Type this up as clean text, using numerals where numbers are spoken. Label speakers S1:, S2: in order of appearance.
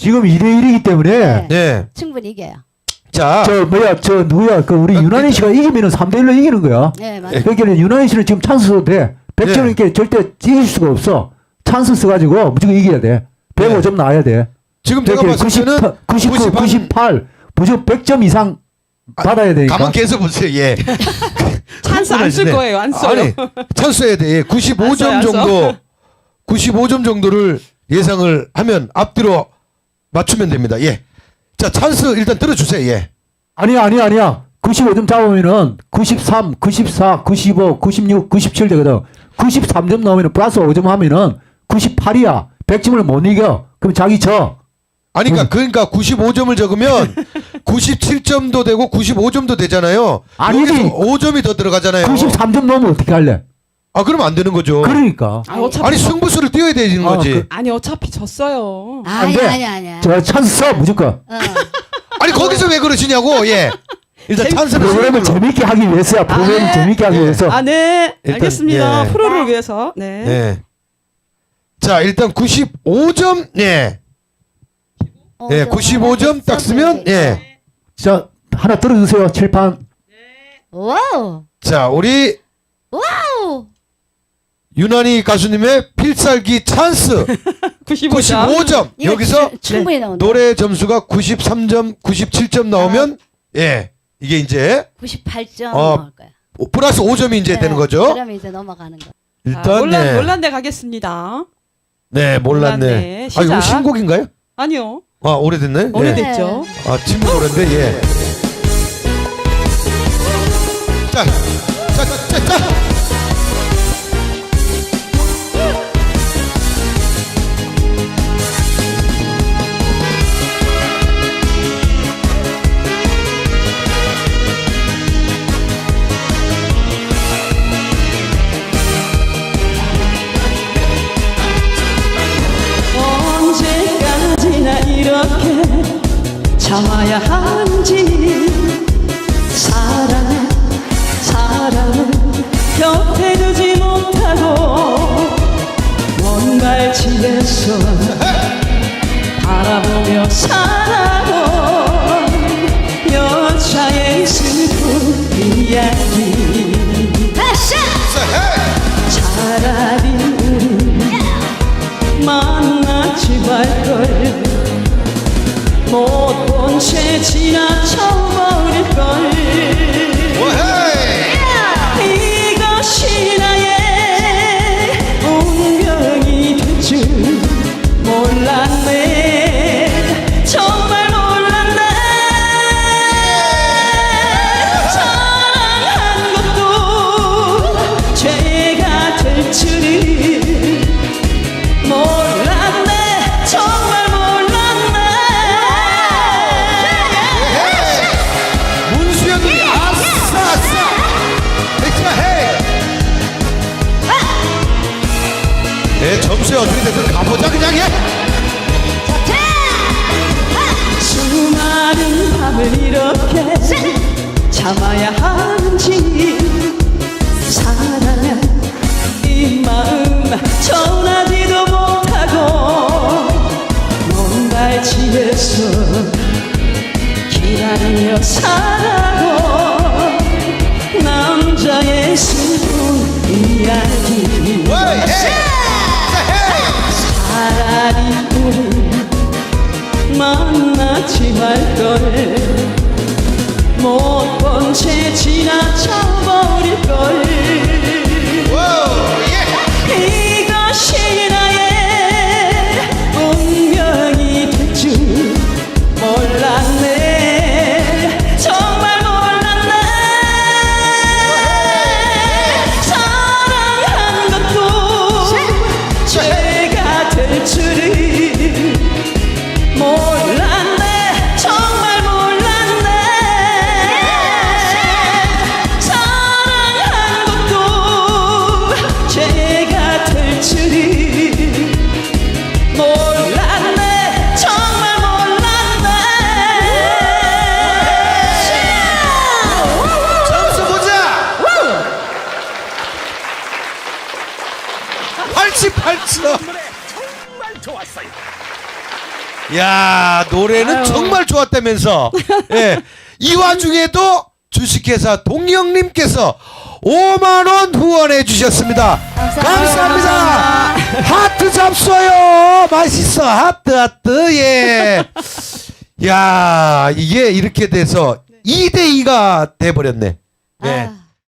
S1: 지금 2대1이기 때문에
S2: 네.
S3: 충분히 이겨요.
S2: 자,
S1: 저 누구야 그 우리 유난히 씨가 이기면은 3대1로 이기는 거야.
S3: 네, 맞아요.
S1: 그러니까 유난히 씨는 지금 찬스 써도 돼. 100점이니까 절대 이길 수가 없어. 찬스 써가지고 무조건 이겨야 돼. 105점 나와야 돼.
S2: 지금 제가
S1: 이렇게
S2: 봤을 때는
S1: 99, 98 무조건 100점 이상 받아야 되니까.
S2: 가만 계속 보세요. 예.
S4: 찬스 안 쓸 거예요. 안 써요.
S2: 아니, 찬스 써야 돼. 예. 95점
S4: 안 써요, 안 써.
S2: 정도, 95점 정도를 예상을 하면 앞뒤로 맞추면 됩니다. 예. 자, 찬스 일단 들어주세요. 예.
S1: 아니야. 95점 잡으면은 93, 94, 95, 96, 97 되거든. 93점 나오면은 플러스 5점 하면은 98이야. 100점을 못 이겨. 그럼 자기 져.
S2: 아니, 그러니까 95점을 적으면 97점도 되고 95점도 되잖아요.
S1: 아니지.
S2: 여기서 5점이 더 들어가잖아요.
S1: 93점 넣으면 어떻게 할래?
S2: 아, 그러면 안 되는 거죠.
S1: 그러니까.
S4: 아, 어차피
S2: 아니, 승부수를 띄워야 되는 거지.
S4: 아니 어차피 졌어요.
S3: 아니,
S1: 돼.
S3: 아니야.
S1: 저 찬스 써 무조건.
S2: 아니, 거기서 왜 그러시냐고. 예. 일단 찬스를
S1: 프로그램을
S2: 쓰는 걸로.
S1: 재밌게 하기 위해서야. 프로그램을
S4: 네.
S1: 재밌게 하기
S2: 예.
S1: 위해서.
S4: 아, 네.
S2: 일단,
S4: 알겠습니다.
S2: 예.
S4: 프로를 위해서. 네.
S2: 예. 자, 일단 95점. 예. 예, 95점 딱 쓰면 예.
S1: 자, 하나 들어주세요. 칠판.
S3: 와우.
S2: 자, 우리
S3: 와우.
S2: 유난히 가수님의 필살기 찬스
S4: 95점.
S2: 95점.
S3: 이거
S2: 여기서
S3: 충분히 나온다.
S2: 노래 점수가 93점, 97점 나오면 예. 이게 이제
S3: 98점
S2: 어,
S3: 나올 거야.
S2: 플러스 5점이 이제 되는 거죠.
S3: 그러면 이제 넘어가는 거.
S2: 일단 네.
S4: 몰랐네 가겠습니다.
S2: 네, 몰랐네.
S4: 몰랐네.
S2: 아, 이거
S4: 시작.
S2: 신곡인가요?
S4: 아니요.
S2: 아, 오래됐네.
S4: 오래됐죠.
S2: 예. 아, 친구 노래인데 예. 자.
S4: 언제까지나 이렇게 참아야 하는지 사랑을 곁에 두지 못하고 뭔가를 집에서 바라보며 살아온 여자의 슬픈 이야기 차라리 우리 만나지 말걸 못 본 채 지나쳐버릴걸 이것이 나의 운명이 될 줄 몰랐네 정말 몰랐네 사랑한 것도 죄가 될 줄은 몰랐네 정말 몰랐네
S2: 문수영이 아싸. 엑스트라 헤이. 네, 점수에 어떻게 됐든 가보자 그냥 해.
S4: 수많은 밤을 이렇게 참아야 하는지 사랑한 이 마음 전하지도 못하고 뭔가 집에서 기다리며 살아온 남자의 슬픈 이야기 차라리 우리 만나지 말걸 못 본 채 지나쳐버릴걸 이것이 나의 운명이 될 줄 몰랐네 정말 몰랐네 사랑한 것도 죄가 될 줄은 몰랐네 정말 몰랐네 사랑한 것도 죄가 될 줄은 몰랐네 정말 몰랐네
S2: 점수 보자. 88점.
S5: 정말 좋았어요.
S2: 야, 노래는
S3: 아유.
S2: 정말 좋았다면서. 예. 이 와중에도 주식회사 동영님께서 5만 원 후원해 주셨습니다. 감사합니다. 하트 잡숴요. 맛있어. 하트. 예. 야, 이게 이렇게 돼서 2대2가 돼 버렸네. 예.
S3: 아.